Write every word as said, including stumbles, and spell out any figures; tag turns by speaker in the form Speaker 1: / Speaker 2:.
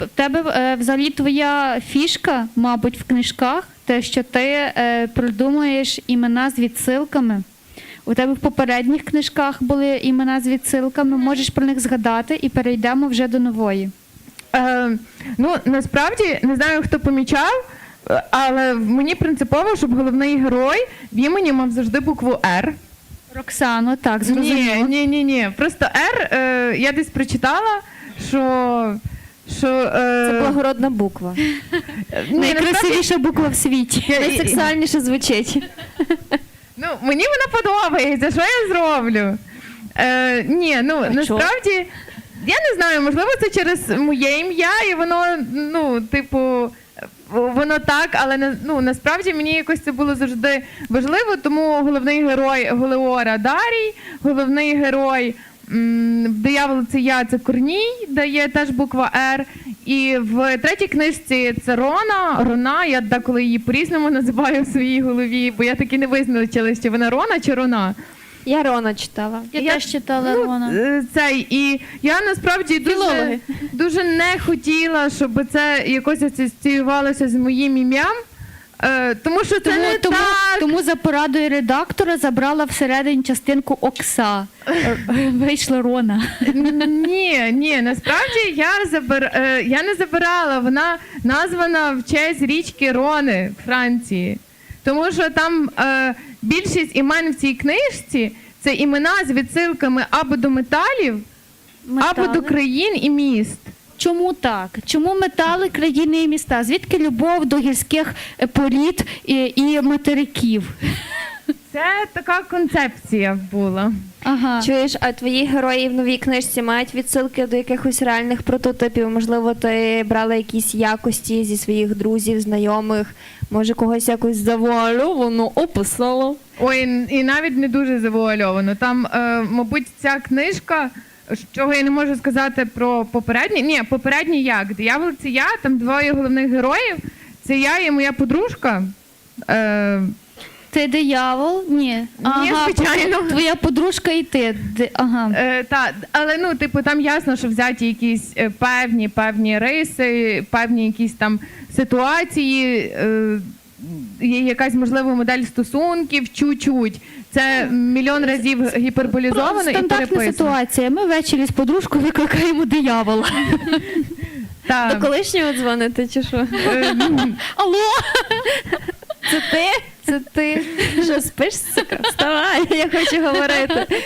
Speaker 1: В тебе е, взагалі твоя фішка, мабуть, в книжках, те, що ти е, придумуєш імена з відсилками. У тебе в попередніх книжках були імена з відсилками, можеш про них згадати і перейдемо вже до нової.
Speaker 2: Е, ну, насправді, не знаю, хто помічав, але мені принципово, щоб головний герой в імені мав завжди букву «Р».
Speaker 1: Роксано, так,
Speaker 2: Ні,
Speaker 1: зрозуміло.
Speaker 2: ні, ні, ні. Просто «Р», е, я десь прочитала, що... що е,
Speaker 3: Це благородна буква.
Speaker 2: ні, насправді,
Speaker 1: Найкрасивіша буква в світі.
Speaker 2: я-
Speaker 3: Найсексуальніше звучить.
Speaker 2: ну, мені вона подобається, що я зроблю? Е, ні, ну,
Speaker 3: А
Speaker 2: насправді, я не знаю, можливо, це через моє ім'я, і воно, ну, типу, воно так, але на- ну, насправді мені якось це було завжди важливо, тому головний герой Голеора Дарій, головний герой м, в «Дияволиці я» це Корній, де є теж буква «Р», і в третій книжці це Рона, Рона, я деколи її по-різному називаю в своїй голові, бо я таки не визначила, чи вона Рона чи Рона.
Speaker 3: Я Рона читала.
Speaker 1: Я,
Speaker 2: Я-
Speaker 1: теж читала
Speaker 2: Ну,
Speaker 1: Рона.
Speaker 2: е, цей, і я насправді дуже,
Speaker 1: Філологи.
Speaker 2: дуже не хотіла, щоб це якось асоціювалося з моїм ім'ям, е, тому що це
Speaker 1: Тому,
Speaker 2: не
Speaker 1: тому,
Speaker 2: так.
Speaker 1: тому за порадою редактора забрала всередині частинку Окса. Е, Вийшла Рона.
Speaker 2: Ні, ні, насправді я, забир... е, я не забирала, вона названа в честь річки Рони в Франції. Тому що там е, більшість імен в цій книжці це імена з відсилками або до металів, або до країн і міст.
Speaker 1: Чому так? Чому метали, країни і міста? Звідки любов до гірських е, порід і, і материків?
Speaker 2: Це така концепція була.
Speaker 1: Ага.
Speaker 3: Чуєш, а твої герої в новій книжці мають відсилки до якихось реальних прототипів? Можливо, ти брала якісь якості зі своїх друзів, знайомих, може когось якось завуальовано описала?
Speaker 2: Ой, і навіть не дуже завуальовано. Там, е, мабуть, ця книжка, чого я не можу сказати про попередні. Ні, попередні як? «Диявол» це я, там двоє головних героїв. Це я і моя подружка. Е,
Speaker 1: Ти диявол? Ні. Ага,
Speaker 2: звичайно.
Speaker 1: Твоя подружка і ти. Ди- Ага.
Speaker 2: е, та, але ну, типу, там ясно, що взяті якісь е, певні, певні риси, певні якісь там ситуації, е, є якась, можливо, модель стосунків, чуть-чуть. Це мільйон разів гіперболізовано і
Speaker 1: Стандартна
Speaker 2: переписано.
Speaker 1: ситуація. Ми ввечері з подружкою викликаємо диявола.
Speaker 2: Та,
Speaker 3: До колишнього дзвонити чи що?
Speaker 2: е, ну,
Speaker 1: Алло?
Speaker 3: Це ти? Це ти? Що, спиш, сука? Вставай, я хочу говорити.